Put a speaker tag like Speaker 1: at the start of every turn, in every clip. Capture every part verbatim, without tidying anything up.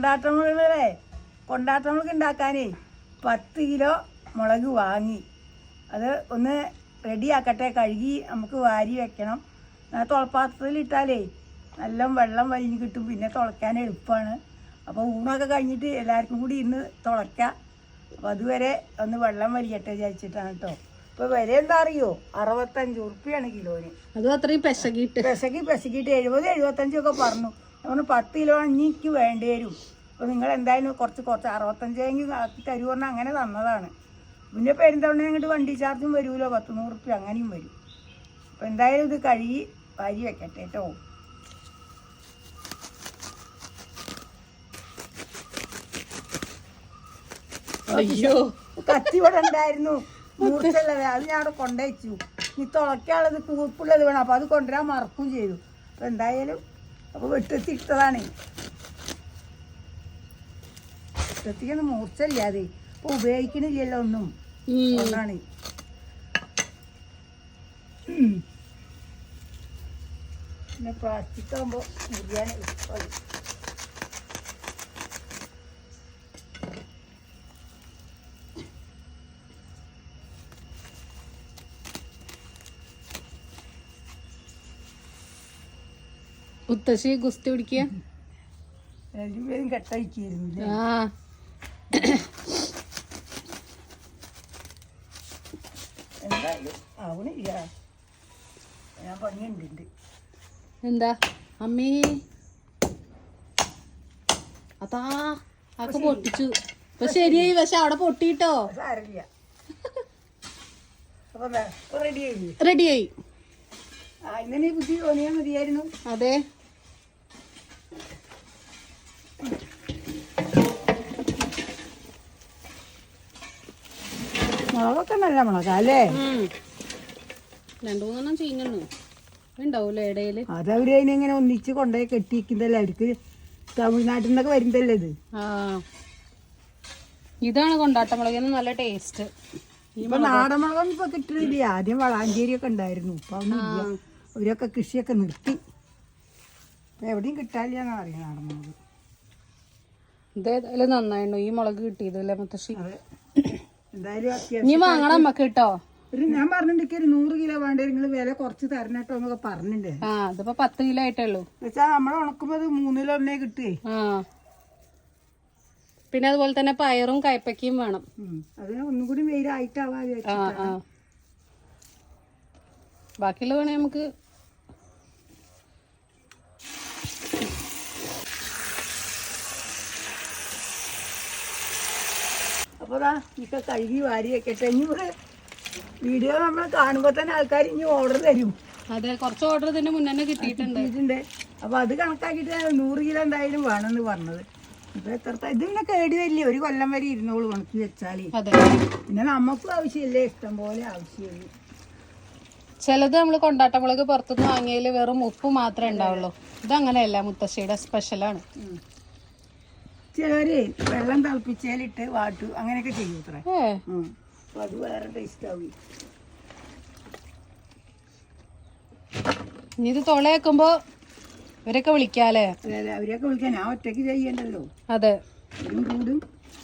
Speaker 1: കൊണ്ടാട്ടമുളകേ കൊണ്ടാട്ടമുളക് ഉണ്ടാക്കാനേ പത്ത് കിലോ മുളക് വാങ്ങി അത് ഒന്ന് റെഡിയാക്കട്ടെ. കഴുകി നമുക്ക് വാരി വെക്കണം. തുളപ്പാത്രത്തിലിട്ടാലേ നല്ല വെള്ളം വലിഞ്ഞ് കിട്ടും. പിന്നെ തുളയ്ക്കാൻ എളുപ്പമാണ്. അപ്പോൾ ഊണൊക്കെ കഴിഞ്ഞിട്ട് എല്ലാവർക്കും കൂടി ഇന്ന് തുളയ്ക്കാം. അപ്പോൾ അതുവരെ ഒന്ന് വെള്ളം വലിയട്ടെ വിചാരിച്ചിട്ടാണ് കേട്ടോ. ഇപ്പോൾ വില എന്താ അറിയോ? അറുപത്തഞ്ച് ഉറുപ്പ്യാണ് കിലോന്.
Speaker 2: അത് അത്രയും പെശകിട്ട്
Speaker 1: പെശകി പെശകിയിട്ട് എഴുപത് എഴുപത്തഞ്ചൊക്കെ പറഞ്ഞു. നമ്മൾ പത്ത് കിലോ എനിക്ക് വേണ്ടി വരും. അപ്പോൾ നിങ്ങൾ എന്തായാലും കുറച്ച് കുറച്ച് അറുപത്തഞ്ചെങ്കിൽ ആക്കി തരുമെന്ന് അങ്ങനെ തന്നതാണ്. പിന്നെ പെരുന്തവണ അങ്ങോട്ട് വണ്ടി ചാർജും വരുമല്ലോ, പത്ത് നൂറ് റുപ്യ അങ്ങനെയും വരും. അപ്പോൾ എന്തായാലും ഇത് കഴുകി വാരി വെക്കട്ടെ കേട്ടോ.
Speaker 2: അയ്യോ
Speaker 1: കത്തി ഇവിടെ ഉണ്ടായിരുന്നു, മൂർച്ചയുള്ളത്. അത് ഞാൻ അവിടെ കൊണ്ടുവച്ചു. ഇനി തുളയ്ക്കാനുള്ളത് കൂർപ്പുള്ളത് വേണം. അപ്പോൾ അത് കൊണ്ടുവരാൻ മറക്കും ചെയ്തു. അപ്പോൾ എന്തായാലും അപ്പോൾ വെട്ടത്തിട്ടതാണ്. വെട്ടത്തിക്കൊന്നും മൂർച്ചയില്ലാതെ ഇപ്പോൾ ഉപയോഗിക്കണില്ലല്ലോ ഒന്നും. ഒന്നാണ് പിന്നെ പ്ലാസ്റ്റിക് ആകുമ്പോൾ മുറിയാൻ എളുപ്പമായി.
Speaker 2: മുത്തശ്ശി ഗുസ്തി പിടിക്കുക
Speaker 1: രണ്ടുപേരും കെട്ടയച്ചിരുന്നു.
Speaker 2: ആ
Speaker 1: എന്തായാലും ആവണില്ല. ഞാൻ പണിയുണ്ട്.
Speaker 2: എന്താ അമ്മേ അതാ ആക്കെ പൊട്ടിച്ചു. ഇപ്പൊ ശരിയായി. പക്ഷെ അവിടെ പൊട്ടിട്ടോ.
Speaker 1: സാരമില്ല. അപ്പൊ റെഡിയായി
Speaker 2: റെഡിയായി.
Speaker 1: ആ ഇങ്ങനെ ബുദ്ധി തോന്നിയാൽ മതിയായിരുന്നു.
Speaker 2: അതെ
Speaker 1: മുളകൊക്കെ നല്ല മുളകാ അല്ലേ?
Speaker 2: രണ്ടു മൂന്നെണ്ണം ചീഞ്ഞു ഉണ്ടാവൂലേ ഇടയില്.
Speaker 1: അതവര് അതിനെങ്ങനെ ഒന്നിച്ച് കൊണ്ടുപോയി കെട്ടിയിരിക്കുന്നതല്ലേ. അവർക്ക് തമിഴ്നാട്ടിൽ നിന്നൊക്കെ വരുന്നതല്ലേ ഇത്.
Speaker 2: ആ ഇതാണ് കൊണ്ടാട്ടമുളകിന് നല്ല ടേസ്റ്റ്.
Speaker 1: ഇപ്പൊ നാടൻ മുളകൊന്നും ഇപ്പൊ കിട്ടുന്നില്ല. ആദ്യം വളാഞ്ചേരി ഒക്കെ ഉണ്ടായിരുന്നു. ഇപ്പൊ ഒന്നുമില്ല. അവരൊക്കെ കൃഷിയൊക്കെ നിർത്തി. എവിടെയും കിട്ടാനില്ല എന്നാ അറിയാം നാടൻ മുളക്.
Speaker 2: ഇതേതായാലും നന്നായിരുന്നു ഈ മുളക് കിട്ടിയതല്ലേ മുത്തശ്ശി.
Speaker 1: അതെ എന്തായാലും
Speaker 2: ഇനി വാങ്ങണം നമ്മക്ക് കേട്ടോ.
Speaker 1: ഒരു ഞാൻ പറഞ്ഞിട്ട് ഒരു നൂറ് കിലോ വേണ്ട നിങ്ങൾ വില കുറച്ച് തരണട്ടോ എന്നൊക്കെ പറഞ്ഞിട്ടുണ്ട്.
Speaker 2: ആ ഇതിപ്പോ പത്ത് കിലോ ആയിട്ടേ ഉള്ളൂ.
Speaker 1: വെച്ചാ നമ്മളെ ഉണക്കുമ്പോ അത് മൂന്നിലോ ഒന്നേ കിട്ടുവേ.
Speaker 2: ആ പിന്നെ അതുപോലെ തന്നെ പയറും കയ്പക്കയും വേണം.
Speaker 1: അതിന് ഒന്നും കൂടി വെയിലായിട്ടാവാ.
Speaker 2: ആ ആ ബാക്കിയുള്ള വേണേ നമുക്ക്
Speaker 1: അപ്പൊ ഇതൊക്കെ കഴുകി വാരി വെക്കട്ടെ. ഇനി ഇവിടെ വീഡിയോ നമ്മൾ കാണുമ്പോ തന്നെ ആൾക്കാർ ഇനി ഓർഡർ തരും.
Speaker 2: അതെ കുറച്ച് ഓർഡർ ഇതിന്റെ മുന്നേ കിട്ടിയിട്ടുണ്ട്.
Speaker 1: അപ്പൊ അത് കണക്കാക്കിയിട്ട് നൂറ് കിലോ എന്തായാലും വേണമെന്ന് പറഞ്ഞത്. ഇപ്പൊ എത്ര ഇതിങ്ങനെ കേടി വരില്ലേ. ഒരു കൊല്ലം വരെ ഇരുന്നോളൂ ഉണക്കി വെച്ചാല്. പിന്നെ നമുക്കും ആവശ്യമില്ലേ, ഇഷ്ടം പോലെ ആവശ്യമുള്ളൂ.
Speaker 2: ചിലത് നമ്മള് കൊണ്ടാട്ടമുളക് പുറത്തുനിന്ന് വാങ്ങിയതിൽ വെറും ഉപ്പ് മാത്രമേ ഉണ്ടാവുള്ളൂ. ഇതങ്ങനെയല്ല, മുത്തശ്ശിയുടെ സ്പെഷ്യലാണ്.
Speaker 1: ചിലര് വെള്ളം തിളപ്പിച്ചാലിട്ട് വാട്ടു അങ്ങനെയൊക്കെ ചെയ്യും ഇത്ര. അപ്പൊ അത് വേറെ ടേസ്റ്റ് ആവും.
Speaker 2: ഇനി ഇത് തുളയാക്കുമ്പോ ഇവരൊക്കെ വിളിക്കാല്ലേ?
Speaker 1: അതെ അതെ അവരെയൊക്കെ വിളിക്കാൻ. ഞാൻ ഒറ്റയ്ക്ക് ചെയ്യണ്ടല്ലോ.
Speaker 2: അതെ
Speaker 1: കൂടും കൂടും.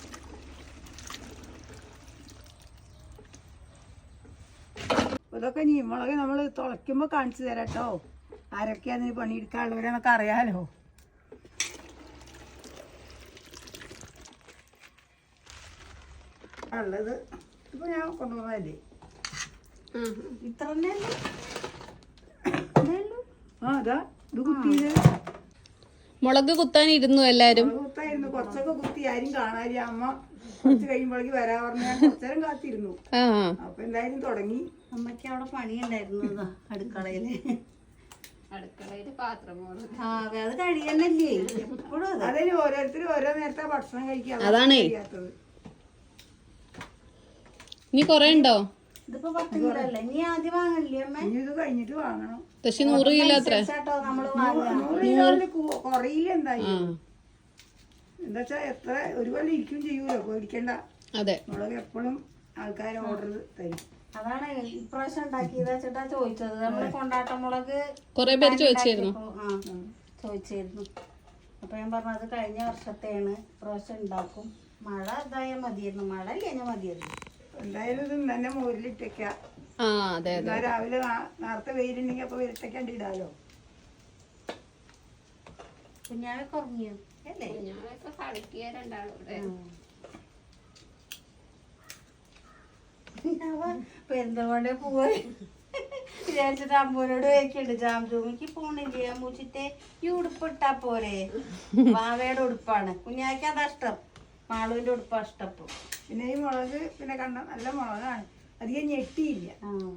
Speaker 1: ഇതൊക്കെ നീ മുളക് നമ്മൾ തുളയ്ക്കുമ്പോ കാണിച്ചു തരാട്ടോ. ആരൊക്കെയാന്ന് പണിയെടുക്കാനുള്ളവരെന്നൊക്കെ അറിയാലോ. ഉള്ളത് ഇപ്പൊ ഞാൻ കൊണ്ടുപോകുന്നതല്ലേ. ഇത്ര ആ അതാ ഇത് കുത്തിയത്.
Speaker 2: മുളക് കുത്താൻ ഇരുന്നു എല്ലാരും.
Speaker 1: കുത്തായിരുന്നു. കുറച്ചൊക്കെ കുത്തി ആരും കാണാനില്ല. അമ്മ കുറച്ച് കഴിയുമ്പോഴേക്ക് വരാ പറഞ്ഞ ഞാൻ കുറച്ചേരം കാത്തിരുന്നു. അപ്പൊ എന്തായാലും തുടങ്ങി.
Speaker 3: അമ്മയ്ക്ക് അവിടെ പണിയുണ്ടായിരുന്നു അടുക്കളയില്.
Speaker 2: അടുക്കളയില് പാത്രം
Speaker 3: അത് കഴിയണല്ലേ എപ്പോഴും.
Speaker 1: അതിന് ഓരോരുത്തരും ഓരോ നേരത്തെ ഭക്ഷണം കഴിക്കാം.
Speaker 2: അതാണേ. ഇനി കൊറേ ഉണ്ടോ?
Speaker 3: ഇതിപ്പോ പത്ത് കിലോ അല്ലേ. ഇനി ആദ്യം വാങ്ങണില്ലേ അമ്മ?
Speaker 1: ഇനി ഇത് കഴിഞ്ഞിട്ട് വാങ്ങണം.
Speaker 2: പക്ഷെ നൂറ് കിലോ അത്ര
Speaker 3: നമ്മള്
Speaker 1: നൂറ് കിലോയില് കുറയില്ല എന്തായാലും. എന്താ വെച്ചാ എത്ര ഒരു പോലെ ഇരിക്കും ചെയ്യൂലോ, പേടിക്കണ്ട.
Speaker 2: അതെ
Speaker 1: മുളക് എപ്പോഴും ആൾക്കാർ ഓർഡർ തരും.
Speaker 3: അതാണ് ഇപ്രാവശ്യം ഉണ്ടാക്കിയത് വെച്ചിട്ടാ ചോദിച്ചത്. നമ്മള് കൊണ്ടാട്ട മുളക്
Speaker 2: കൊറേ പേര് ചോദിച്ചായിരുന്നു.
Speaker 3: ആ ചോദിച്ചായിരുന്നു. അപ്പൊ ഞാൻ പറഞ്ഞത് കഴിഞ്ഞ വർഷത്തെയാണ് പ്രാവശ്യം ഉണ്ടാക്കും. മഴ ഇതായാൽ മതിയായിരുന്നു, മഴ ഇല്ല മതിയായിരുന്നു.
Speaker 1: എന്തായാലും ഇത് തന്നെ മോരിലിട്ടേക്ക.
Speaker 2: ആ അതെ അതെ.
Speaker 1: രാവിലെ നേരത്തെ വെയിലുണ്ടെങ്കിൽ അപ്പൊ വെയിലത്തേക്കാണ്ട് ഇടാലോ.
Speaker 3: കുഞ്ഞാവൊക്കെ ഉറങ്ങിയോ അല്ലേ? പെരുന്തൽമണ്ണ പോയി വിചാരിച്ചിട്ട് അമ്മൂനോട് ചോദിക്കണ്ട്, ജാംജൂമിക്ക് പോണില്ലേ അമ്മൂച്ചിത്തെ ഈ ഉടുപ്പിട്ടാ പോരെ? വാവയുടെ ഉടുപ്പാണ്, കുഞ്ഞാക്ക് അതാ ഇഷ്ടം, മാളുവിന്റെ ഉടുപ്പാ ഇഷ്ടം.
Speaker 1: പിന്നെ ഈ മുളക് പിന്നെ കണ്ട നല്ല മുളകാണ്, അധികം ഞെട്ടിയില്ല.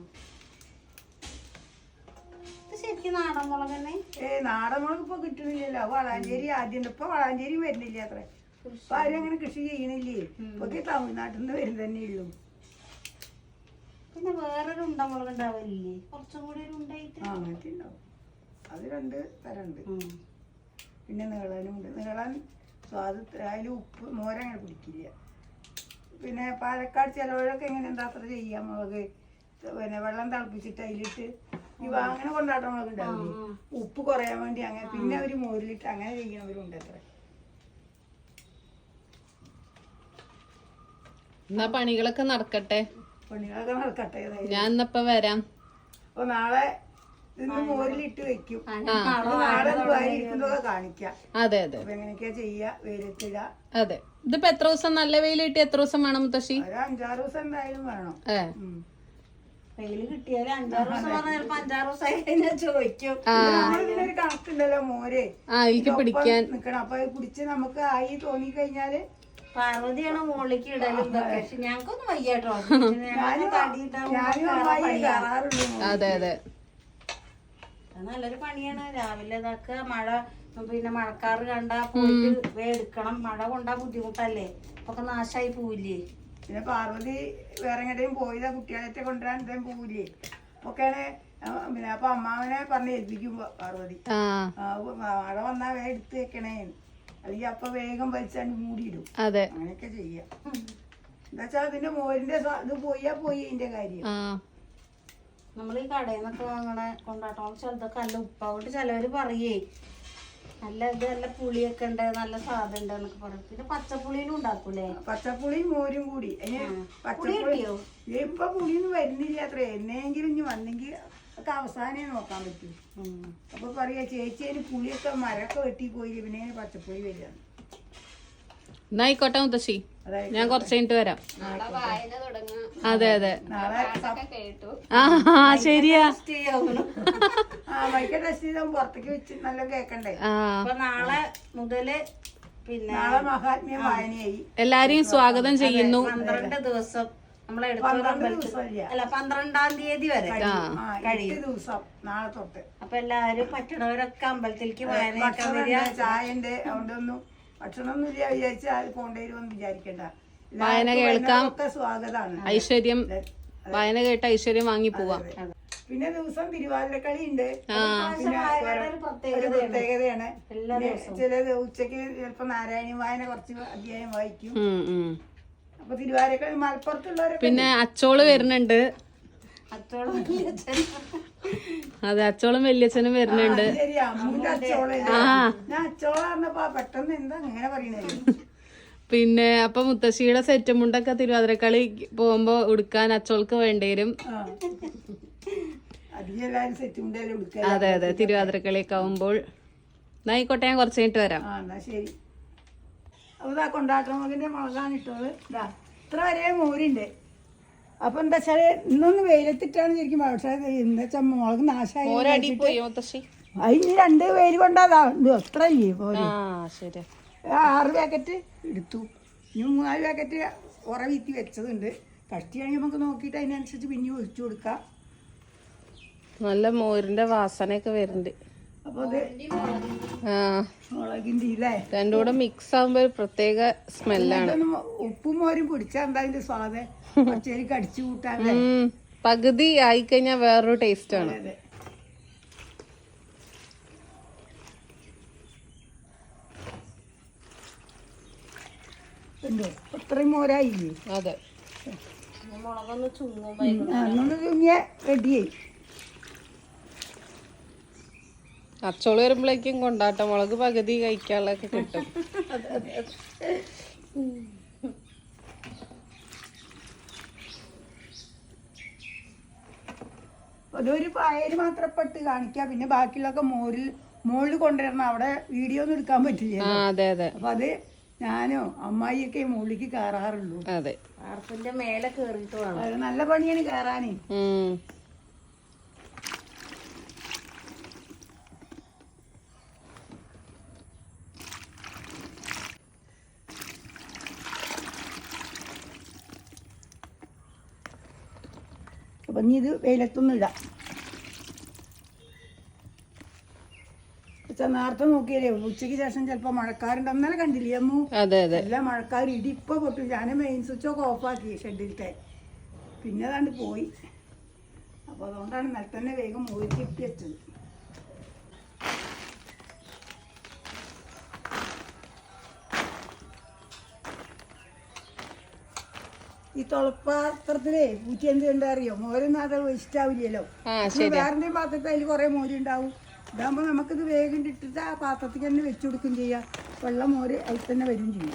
Speaker 3: ശരിക്കും നാടൻ മുളക് തന്നെ.
Speaker 1: ഏ നാടൻ മുളക് ഇപ്പൊ കിട്ടുന്നില്ലല്ലോ. വളാഞ്ചേരി ആദ്യം ഇപ്പൊ വളാഞ്ചേരി വരുന്നില്ല അത്ര. ഇപ്പൊ ആരും അങ്ങനെ കൃഷി ചെയ്യണില്ലേ. ഇപ്പൊ തമിഴ്നാട്ടിൽ നിന്ന് വരും തന്നെ ഉള്ളൂ.
Speaker 3: പിന്നെ വേറൊരു ഉണ്ട മുളക് ഉണ്ടാവില്ലേ, കുറച്ചും കൂടി ഒരു ഉണ്ടായിട്ട്.
Speaker 1: ആ അങ്ങനത്തെ ഉണ്ടാവും. അത് രണ്ട് തരം ഉണ്ട്. പിന്നെ നീളാനും ഉണ്ട്. നീളാൻ സ്വാദ് അതിൽ ഉപ്പ് മോരങ്ങനെ പിടിക്കില്ല. പിന്നെ പാലക്കാട് ചിലവഴൊക്കെ എങ്ങനെ എന്താ അത്ര ചെയ്യാം മുളക്, പിന്നെ വെള്ളം തിളപ്പിച്ചിട്ട് അതിലിട്ട് ഇവ അങ്ങനെ കൊണ്ടാട്ട മുളക് ഉണ്ടാവില്ലേ, ഉപ്പ് കുറയാൻ വേണ്ടി അങ്ങനെ. പിന്നെ അവര് മോരിലിട്ട് അങ്ങനെ ചെയ്യുന്നവരുണ്ട് അത്ര.
Speaker 2: എന്നാ പണികളൊക്കെ നടക്കട്ടെ,
Speaker 1: പണികളൊക്കെ നടക്കട്ടെ.
Speaker 2: ഞാൻ ഇന്നപ്പോ വരാം.
Speaker 1: അപ്പൊ നാളെ ഇന്ന് മോരിലിട്ട് വെക്കും, നാളെ ഇരിക്കുന്നതൊക്കെ കാണിക്കാം.
Speaker 2: അതെ അതെ.
Speaker 1: അപ്പൊ എങ്ങനെയൊക്കെയാ ചെയ്യാ, വെയിലത്തിട.
Speaker 2: അതെ, ഇതിപ്പോ എത്ര ദിവസം നല്ല വെയിൽ കിട്ടി എത്ര ദിവസം വേണം മുത്തശ്ശി?
Speaker 1: ഒരു അഞ്ചാറ് ദിവസം എന്തായാലും വേണം.
Speaker 2: ഏ
Speaker 3: വെയില് കിട്ടിയാല് അഞ്ചാറ് ദിവസം പറഞ്ഞാൽ ചിലപ്പോ അഞ്ചാറ് ദിവസമായി കഴിഞ്ഞാൽ ചോദിക്കും.
Speaker 1: ഒരു കണക്കുണ്ടല്ലോ മോര്
Speaker 2: ആ എനിക്ക് പിടിക്കാൻ
Speaker 1: നിക്കണം. അപ്പൊ കുടിച്ച് നമുക്ക് ആയി തോന്നി കഴിഞ്ഞാല്
Speaker 3: പാർവതിയാണ് മുകളിലേക്ക് ഇടലും ഇതൊക്കെ. പക്ഷെ ഞങ്ങൾക്കൊന്നും വയ്യാട്ടോ,
Speaker 2: അതെ അതെ.
Speaker 3: നല്ലൊരു പണിയാണ്. രാവിലെ ഇതൊക്കെ മഴ, പിന്നെ മഴക്കാറ് കണ്ടാ പോയിട്ട് വേ എടുക്കണം. മഴ കൊണ്ടാ ബുദ്ധിമുട്ടല്ലേ, ഒക്കെ നാശായി പോവില്ലേ.
Speaker 1: പിന്നെ പാർവതി വേറെ എങ്ങോട്ടും പോയതാ, കുട്ടികളെ കൊണ്ടുവരാൻ എന്തെങ്കിലും പോവില്ലേ ഒക്കെയാണ്. പിന്നെ അപ്പൊ അമ്മാവനെ പറഞ്ഞ് ഏൽപ്പിക്കും പാർവതി, മഴ വന്നാ വേ എടുത്ത് വെക്കണേ, അല്ലെങ്കിൽ അപ്പൊ വേഗം വലിച്ചാണ്ട് മൂടിയിടും. അങ്ങനെയൊക്കെ ചെയ്യാം. എന്താ വെച്ചാൽ അതിന്റെ മോരിന്റെ ഇത് പോയാ പോയി ഇതിന്റെ കാര്യം.
Speaker 3: നമ്മൾ ഈ കടയിൽ നിന്നൊക്കെ വാങ്ങണ കൊണ്ടാട്ടം ചിലതൊക്കെ നല്ല ഉപ്പാവോട്ട് ചിലവര് പറയേ നല്ല ഇത് നല്ല പുളിയൊക്കെ ഉണ്ട്, നല്ല സ്വാദ് ഉണ്ട് എന്നൊക്കെ പറയും. പിന്നെ പച്ചപ്പുളിയിലും ഉണ്ടാക്കൂലേ?
Speaker 1: പച്ചപ്പുളിയും മോരും കൂടി. പച്ചപ്പുളി ഇപ്പൊ പുളിയൊന്നും വരുന്നില്ല അത്ര. എന്നെങ്കിലും ഇനി വന്നെങ്കിൽ ഒക്കെ അവസാനേ നോക്കാൻ പറ്റും. അപ്പൊ പറയാ ചേച്ചി അതിന് പുളിയൊക്കെ മരമൊക്കെ വെട്ടി പോയി, പിന്നെ പച്ചപ്പുളി വരിക.
Speaker 2: എന്നായിക്കോട്ടെ മുത്തശ്ശി, ഞാൻ കുറച്ച് കഴിഞ്ഞിട്ട് വരാം. അതെ അതെ. ആ ശരിയാ.
Speaker 1: വൈകിട്ട് ടെസ്റ്റ് ചെയ്താൽ പുറത്തേക്ക് വെച്ച് നല്ല കേക്കണ്ടേ.
Speaker 3: അപ്പൊ നാളെ മുതല് പിന്നെ
Speaker 1: നാളെ മഹാത്മ്യ വായനയായി.
Speaker 2: എല്ലാരെയും സ്വാഗതം ചെയ്യുന്നു.
Speaker 3: പന്ത്രണ്ട് ദിവസം നമ്മളെ അല്ല പന്ത്രണ്ടാം തീയതി വരെ
Speaker 1: കഴിയും ദിവസം നാളെ തൊട്ട്.
Speaker 3: അപ്പൊ എല്ലാരും പറ്റണവരൊക്കെ അമ്പലത്തിലേക്ക് വായന
Speaker 1: ചായന്റെ അതുകൊണ്ടൊന്നും ഭക്ഷണമൊന്നുമില്ല വിചാരിച്ചാൽ പോണ്ടേരുമെന്ന് വിചാരിക്കണ്ട.
Speaker 2: വായന കേൾക്കാം,
Speaker 1: സ്വാഗതമാണ്.
Speaker 2: ഐശ്വര്യം വായന കേട്ട ഐശ്വര്യം വാങ്ങി പോവാം.
Speaker 1: പിന്നെ ദിവസം തിരുവാതിരക്കളി ഉണ്ട്. ഒരു പ്രത്യേകതയാണ്. ചില ഉച്ചക്ക് ചിലപ്പോ നാരായണി വായന കുറച്ച് അധ്യായം വായിക്കും. അപ്പൊ തിരുവാതിരക്കളി മലപ്പുറത്തുള്ളവരൊക്കെ.
Speaker 2: പിന്നെ അച്ചോള് വരുന്നുണ്ട്. അതെ, അച്ചോളും വല്യച്ഛനും വരുന്നുണ്ട്.
Speaker 1: ശരി, അമ്മൂന്റെ അച്ചോള. ഞാൻ അച്ചോള പറഞ്ഞപ്പോ പെട്ടെന്ന് എന്താ അങ്ങനെ പറയണത്.
Speaker 2: പിന്നെ അപ്പൊ മുത്തശ്ശിയുടെ സെറ്റ് മുണ്ടൊക്കെ തിരുവാതിരക്കളി പോകുമ്പോ ഉടുക്കാൻ അച്ചോൾക്ക് വേണ്ടി വരും. അതെ അതെ, തിരുവാതിരക്കളിയൊക്കെ ആവുമ്പോൾ. എന്നായിക്കോട്ടെ, ഞാൻ കുറച്ച് കഴിഞ്ഞിട്ട് വരാം.
Speaker 1: ശരി. അപ്പൊ കൊണ്ടാട്ടമുളകിന്റെ മുളകാണ് ഇട്ടത്. ഇതാ ഇത്ര വരെ മോരുണ്ട്. അപ്പൊ എന്താ വെച്ചാല് ഇന്നൊന്ന് വെയിലത്തിട്ടാണ് ശരിക്കും. പക്ഷെ എന്താ വെച്ചാൽ മുളക് നാശമായി. അതിന് രണ്ട് വെയിൽ കൊണ്ടാതാ ഇത് എത്ര ഇല്ലേ പോലെ. ആറ് പാക്കറ്റ് എടുത്തു. ഇനി മൂന്നാല് പാക്കറ്റ് ഉറ വീത്തി വെച്ചതുണ്ട്. കഷ്ടിയാണെങ്കിൽ നമുക്ക് നോക്കിയിട്ട് അതിനനുസരിച്ച് പിന്നെ ഒഴിച്ചു കൊടുക്കാം.
Speaker 2: നല്ല മോരിന്റെ വാസനയൊക്കെ വരുന്നുണ്ട്.
Speaker 1: അപ്പൊ അത് മുളകിന്റെ ഇല്ലേ
Speaker 2: രണ്ടും കൂടെ മിക്സ് ആകുമ്പോ ഒരു പ്രത്യേക സ്മെല്ലാണ്.
Speaker 1: ഉപ്പും മോരും പിടിച്ചാൽ എന്താ അതിന്റെ സ്വാദ് പച്ചരി കടിച്ചു കൂട്ടാൻ.
Speaker 2: പകുതി ആയിക്കഴിഞ്ഞാൽ വേറൊരു ടേസ്റ്റ് ആണ്.
Speaker 3: ഇത്രയും മോരായില്ലേ?
Speaker 2: അതെ,
Speaker 3: മുളകൊന്ന് ചുങ്ങുമ്പോ
Speaker 1: ചുങ്ങിയ റെഡിയായി.
Speaker 2: അച്ചോള് വരുമ്പോഴേക്കും കൊണ്ടാട്ട മുളക് പകുതി കഴിക്കാനുള്ളതൊക്കെ കിട്ടും.
Speaker 1: അതൊരു പായല് മാത്രം ഇപ്പൊ ഇട്ട് കാണിക്കാം. പിന്നെ ബാക്കിയുള്ളൊക്കെ മോരിൽ മോളിൽ കൊണ്ടുവരണം. അവിടെ വീഡിയോ ഒന്നും എടുക്കാൻ പറ്റില്ല.
Speaker 2: ആ അതെ അതെ.
Speaker 1: അപ്പൊ അത് ഞാനോ അമ്മായിയൊക്കെ മുകളിലേക്ക് കയറാറുള്ളൂ.
Speaker 2: അതെ,
Speaker 3: വാർപ്പിന്റെ മേലെ കേറിയിട്ട് വേണം.
Speaker 1: അത് നല്ല പണിയാണ് കയറാനേ.
Speaker 2: ഉം
Speaker 1: അപ്പൊ ഇനി ഇത് വെയിലത്തൊന്നും ഇടാം. നേരത്തെ നോക്കിയാലേ ഉച്ചയ്ക്ക് ശേഷം ചിലപ്പോ മഴക്കാരുണ്ട്. അന്നേരം കണ്ടില്ലേ അമ്മു?
Speaker 2: അതെ അതെ.
Speaker 1: എല്ലാ മഴക്കാർ ഇടി ഇപ്പൊ പൊട്ടു. ഞാൻ മെയിൻ സ്വിച്ചൊക്കെ ഓഫാക്കി ഷെഡിലത്തെ. പിന്നെ അതാണ്ട് പോയി. അപ്പൊ അതുകൊണ്ടാണ് നിലത്ത് തന്നെ വേഗം മൂടി കിട്ടി വെച്ചത്. ഈ തുളപ്പാത്രത്തിലേ പൂച്ച എന്ത് കണ്ടാ അറിയോ? മോരൊന്നും അത് വേസ്റ്റ് ആവില്ലല്ലോ. വേറെ പാത്രത്തിൽ അതിൽ കുറെ മോരുണ്ടാവും. ഇതാകുമ്പോൾ നമുക്കിത് വേഗം ഇട്ടിട്ട് ആ പാത്രത്തിൽ തന്നെ വെച്ചു കൊടുക്കുകയും ചെയ്യാം. വെള്ളം മോര് അതിൽ തന്നെ വരും ചെയ്യും.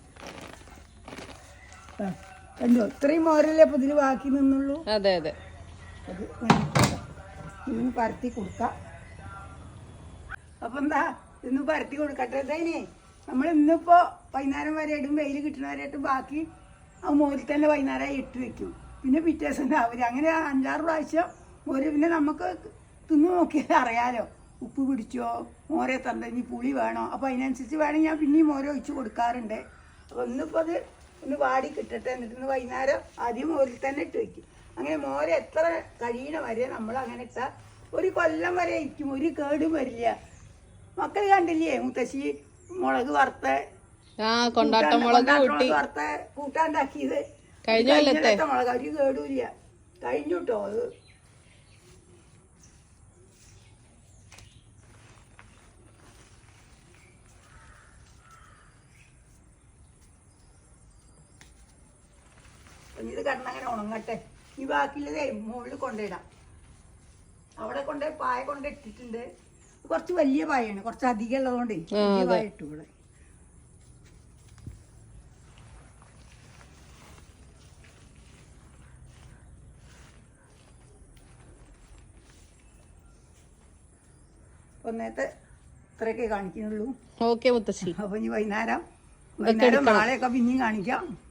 Speaker 1: കണ്ടോ, ഇത്രയും മോരല്ലേ അപ്പൊ ഇതിൽ ബാക്കി നിന്നുള്ളൂ.
Speaker 2: അതെ അതെ.
Speaker 1: അത് ഇന്ന് പരത്തി കൊടുക്കാം. അപ്പൊ എന്താ ഇന്ന് പരത്തി കൊടുക്കട്ടെ. ഇതേനെ നമ്മൾ ഇന്നിപ്പോ വൈകുന്നേരം വരെ ഇടും. വെയിൽ കിട്ടുന്നവരായിട്ട് ബാക്കി ആ മോരിൽ തന്നെ വൈകുന്നേരം ഇട്ട് വെക്കും. പിന്നെ പിറ്റേ ദിവസം രാവിലെ അങ്ങനെ അഞ്ചാറ് പ്രാവശ്യം മോര്. പിന്നെ നമുക്ക് തിന്ന് നോക്കിയാൽ അറിയാലോ ഉപ്പ് പിടിച്ചോ, മോരെ തന്തഞ്ഞി പുളി വേണോ. അപ്പോൾ അതിനനുസരിച്ച് വേണമെങ്കിൽ ഞാൻ പിന്നെയും മോര് ഒഴിച്ച് കൊടുക്കാറുണ്ട്. അപ്പോൾ ഇന്നിപ്പോൾ അത് ഒന്ന് വാടി കിട്ടട്ടെ. എന്നിട്ട് ഇന്ന് വൈകുന്നേരം ആദ്യം മോരിൽ തന്നെ ഇട്ട് വയ്ക്കും. അങ്ങനെ മോര് എത്ര കഴിയണ വരെ നമ്മൾ അങ്ങനെ ഇട്ടാൽ ഒരു കൊല്ലം വരെ ഇരിക്കും. ഒരു കേടും വരില്ല. മക്കൾ കണ്ടില്ലേ മുത്തശ്ശി മുളക് വറുത്ത
Speaker 2: ആ കൊണ്ടാട്ട മുളക് കൂട്ടി
Speaker 1: വറുത്ത കൂട്ടാണ്ടാക്കിയത്?
Speaker 2: കഴിഞ്ഞ കൊല്ലത്തെ
Speaker 1: മുളക് ഒരു കേടുമില്ല. കഴിഞ്ഞു കേട്ടോ അത്. ഇത് കിടന്നങ്ങനെ ഉണങ്ങട്ടെ. ഈ ബാക്കിയുള്ളതേ മുകളിൽ കൊണ്ടിടാം. അവിടെ കൊണ്ട് പായ കൊണ്ട് ഇട്ടിട്ടുണ്ട്. കുറച്ച് വലിയ പായാണ്, കുറച്ച് അധികം ഉള്ളതുകൊണ്ട് വലിയ പായ ഇട്ടു ഇവിടെ. ഒന്നേത്തെ ഇത്രയൊക്കെ കാണിക്കുന്നുള്ളൂ.
Speaker 2: ഓക്കെ മുത്തശ്ശി.
Speaker 1: അപ്പൊ ഇനി വൈകുന്നേരം വൈകുന്നേരം നാളെയൊക്കെ പിന്നെയും കാണിക്കാം.